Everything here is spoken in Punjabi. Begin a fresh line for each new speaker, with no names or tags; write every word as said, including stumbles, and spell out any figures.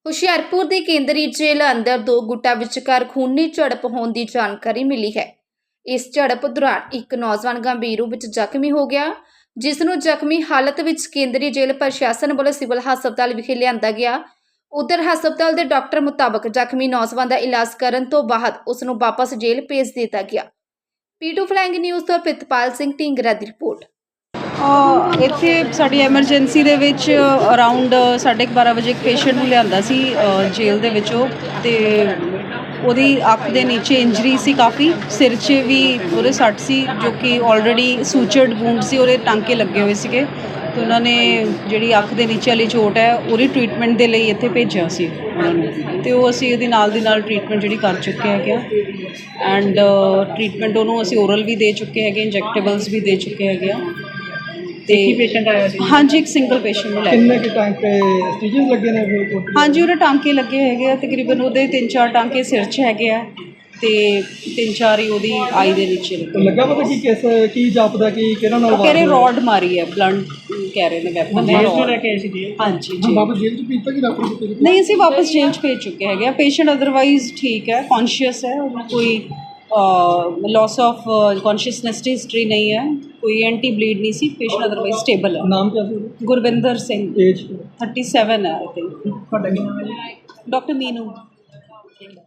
ਹੁਸ਼ਿਆਰਪੁਰ ਦੀ ਕੇਂਦਰੀ ਜੇਲ੍ਹ ਅੰਦਰ ਦੋ ਗੁੱਟਾਂ ਵਿਚਕਾਰ ਖੂਨੀ ਝੜਪ ਹੋਣ ਦੀ ਜਾਣਕਾਰੀ ਮਿਲੀ ਹੈ। ਇਸ ਝੜਪ ਦੌਰਾਨ ਇੱਕ ਨੌਜਵਾਨ ਗੰਭੀਰ ਰੂਪ ਵਿੱਚ ਜ਼ਖਮੀ ਹੋ ਗਿਆ, ਜਿਸ ਨੂੰ ਜ਼ਖਮੀ ਹਾਲਤ ਵਿੱਚ ਕੇਂਦਰੀ ਜੇਲ੍ਹ ਪ੍ਰਸ਼ਾਸਨ ਵੱਲੋਂ ਸਿਵਲ ਹਸਪਤਾਲ ਵਿਖੇ ਲਿਆਂਦਾ ਗਿਆ। ਉਧਰ ਹਸਪਤਾਲ ਦੇ ਡਾਕਟਰ ਮੁਤਾਬਕ ਜ਼ਖਮੀ ਨੌਜਵਾਨ ਦਾ ਇਲਾਜ ਕਰਨ ਤੋਂ ਬਾਅਦ ਉਸ ਨੂੰ ਵਾਪਸ ਜੇਲ੍ਹ ਭੇਜ ਦਿੱਤਾ ਗਿਆ। ਪੀ ਟੂ ਫਲਾਇੰਗ ਨਿਊਜ਼ ਤੋਂ ਪ੍ਰਿਤਪਾਲ ਸਿੰਘ ਢੀਂਗਰਾ ਦੀ ਰਿਪੋਰਟ।
ਇੱਥੇ ਸਾਡੀ ਐਮਰਜੈਂਸੀ ਦੇ ਵਿੱਚ ਅਰਾਊਂਡ ਸਾਢੇ ਬਾਰਾਂ ਵਜੇ ਇੱਕ ਪੇਸ਼ੈਂਟ ਨੂੰ ਲਿਆਂਦਾ ਸੀ ਜੇਲ੍ਹ ਦੇ ਵਿੱਚੋਂ, ਅਤੇ ਉਹਦੀ ਅੱਖ ਦੇ ਨੀਚੇ ਇੰਜਰੀ ਸੀ, ਕਾਫੀ ਸਿਰ 'ਚ ਵੀ ਉਹਦੇ ਸੱਟ ਸੀ, ਜੋ ਕਿ ਆਲਰੇਡੀ ਸੂਚਰਡ ਵੂੰਡ ਸੀ, ਉਹਦੇ ਟਾਂਕੇ ਲੱਗੇ ਹੋਏ ਸੀਗੇ। ਅਤੇ ਉਹਨਾਂ ਨੇ ਜਿਹੜੀ ਅੱਖ ਦੇ ਨੀਚੇ ਵਾਲੀ ਚੋਟ ਹੈ ਉਹਦੀ ਟਰੀਟਮੈਂਟ ਦੇ ਲਈ ਇੱਥੇ ਭੇਜਿਆ ਸੀ ਉਹਨਾਂ ਨੂੰ, ਅਤੇ ਉਹ ਅਸੀਂ ਉਹਦੀ ਨਾਲ ਦੀ ਨਾਲ ਟਰੀਟਮੈਂਟ ਜਿਹੜੀ ਕਰ ਚੁੱਕੇ ਹੈਗੇ ਆ। ਐਂਡ ਟਰੀਟਮੈਂਟ ਉਹਨੂੰ ਅਸੀਂ ਓਰਲ ਵੀ ਦੇ ਚੁੱਕੇ ਹੈਗੇ, ਇੰਜੈਕਟੇਬਲਸ ਵੀ ਦੇ ਚੁੱਕੇ ਹੈਗੇ ਆ। ਤੇ
ਪੇਸ਼ੈਂਟ ਆਇਆ ਸੀ?
ਹਾਂਜੀ, ਇੱਕ ਸਿੰਗਲ ਪੇਸ਼ੈਂਟ ਨੂੰ ਲੈ ਕੇ।
ਕਿੰਨੇ ਕਿ ਟਾਂਕੇ ਸਟਿਚਸ ਲੱਗੇ ਨੇ?
ਹਾਂਜੀ, ਉਹਦੇ ਟਾਂਕੇ ਲੱਗੇ ਹੈਗੇ ਆ, ਤਕਰੀਬਨ ਉਹਦੇ ਤਿੰਨ ਚਾਰ ਟਾਂਕੇ ਸਿਰ 'ਚ ਹੈਗੇ ਆ, ਅਤੇ ਤਿੰਨ ਚਾਰ ਹੀ ਉਹਦੀ ਆਈ ਦੇ ਨੀਚੇ ਲੱਗੇ।
ਲੱਗਾ ਪਤਾ ਕੀ ਕਿਸ ਕੀ ਜਾਪਦਾ ਕਿ ਕਿਹਨਾਂ ਨਾਲ
ਕਹਿ ਰਹੇ ਰੋਡ ਮਾਰੀ ਹੈ, ਬਲੰਟ ਕਹਿ ਰਹੇ ਨੇ ਵੈਪਨ।
ਲੈ ਕੇ ਆਏ ਸੀ ਜੀ?
ਹਾਂਜੀ ਜੀ।
ਵਾਪਸ ਜੇਲ੍ਹ 'ਚ ਭੇਜਤਾ ਕਿ ਡਾਕਟਰ ਨੂੰ?
ਨਹੀਂ, ਅਸੀਂ ਵਾਪਸ ਜੇਲ੍ਹ 'ਚ ਭੇਜ ਚੁੱਕੇ ਹੈਗੇ ਆ। ਪੇਸ਼ੈਂਟ ਅਦਰਵਾਈਜ਼ ਠੀਕ ਹੈ, ਕੌਨਸ਼ੀਅਸ ਹੈ, ਉਹਨੂੰ ਕੋਈ ਲੌਸ ਆਫ ਕੌਨਸ਼ੀਅਸਨੈਸ ਦੀ ਹਿਸਟਰੀ ਨਹੀਂ ਹੈ, ਕੋਈ ਐਂਟੀ ਬਲੀਡ ਨਹੀਂ ਸੀ। ਪੇਸ਼ੈਂਟ ਅਦਰਵਾਈਜ਼ ਸਟੇਬਲ ਹੈ।
ਨਾਮ ਕਿਆ ਸੀ ਉਹਦਾ?
Gurvinder Singh,
age
thirty seven ਹੈ ਆਈ ਥਿੰਕ।
ਤੁਹਾਡਾ ਕੀ ਨਾਮ ਹੈ ਜੀ?
ਡਾਕਟਰ ਮੀਨੂ।